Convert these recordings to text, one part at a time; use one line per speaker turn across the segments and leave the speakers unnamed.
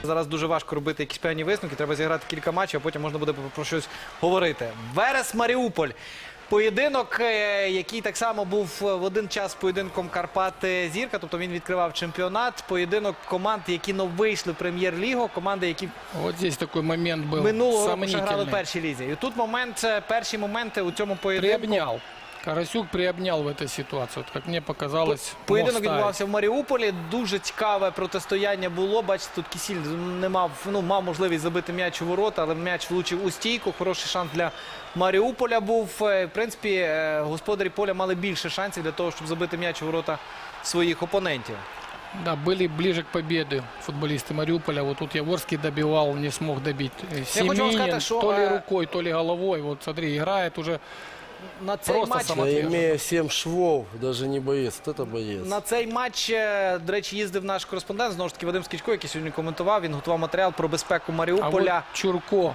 Зараз дуже важко робити якісь певні висновки, треба зіграти кілька матчів, а потім можна буде про щось говорити. Верес-Маріуполь. Поєдинок, який так само був в один час поєдинком Карпати-Зірка, тобто він відкривав чемпіонат. Поєдинок команд, які вийшли в прем'єр-лігу, команди, які минулого року ще грали в першій лізі. І тут перші моменти у цьому поєдинку.
Карасюк приобнял в этой ситуации, как мне показалось.
Поєдинок відбувався в Маріуполі, дуже цікаве протистояння було. Бачите, тут Кісіль мав можливість забити м'яч у ворота, але м'яч влучив у стійку. Хороший шанс для Маріуполя був. В принципі, господарі поля мали більше шансів для того, щоб забити м'яч у ворота своїх опонентів.
Да, были ближе к победе футболисты Мариуполя. Вот тут Яворский добивал, не смог добить. Семенин то ли рукой, то ли головой. Вот смотри, играет уже.
На цей матч,
имея 7 швов, даже не боец, это боец.
На цей матч, до речі, їздив наш кореспондент, знову ж таки, Вадим Скічко, який сьогодні коментував, він готував матеріал про безпеку Маріуполя.
А от Чурко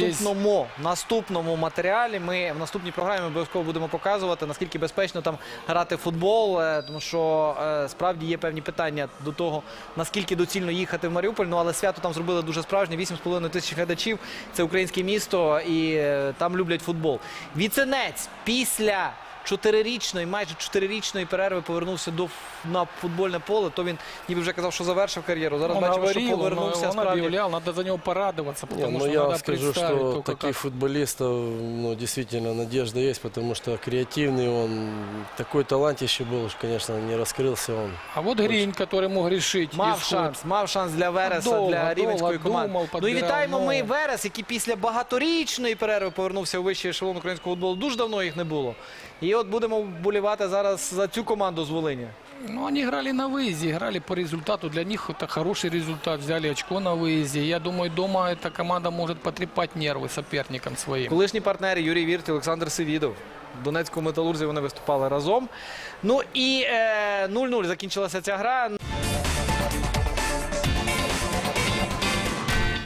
В наступному матеріалі ми в наступній програмі обов'язково будемо показувати, наскільки безпечно там грати в футбол, тому що справді є певні питання до того, наскільки доцільно їхати в Маріуполь, але свято там зробили дуже справжнє, 8,5 тисяч глядачів, це українське місто і там люблять футбол. Віценець після 4-річної, майже 4-річної перерви повернувся на футбольне поле, то він ніби вже казав, що завершив кар'єру. Зараз бачимо, що повернувся.
Он объявлял, надо за него порадоваться, потому что
я
надо
скажу, что таких футболистов действительно надежда есть, потому что креативный он, такой талантище был, конечно, не раскрылся он.
А вот Гринь, который мог решить.
Мав шанс для Вереса, для рівненської команди. Ну і вітаємо ми Верес, який після багаторічної перерви повернувся у вищий ешелон українського футболу. Дуже давно їх не було. І от будемо вболівати зараз за цю команду з Волині.
Ну, они играли на выезде, играли по результату. Для них это хороший результат. Взяли очко на выезде. Я думаю, дома эта команда может потрепать нервы соперникам своим.
Колишні партнери Юрій Вірт і Олександр Севідов. В Донецькому Металурзі вони виступали разом. Ну і 0-0 закінчилася ця гра.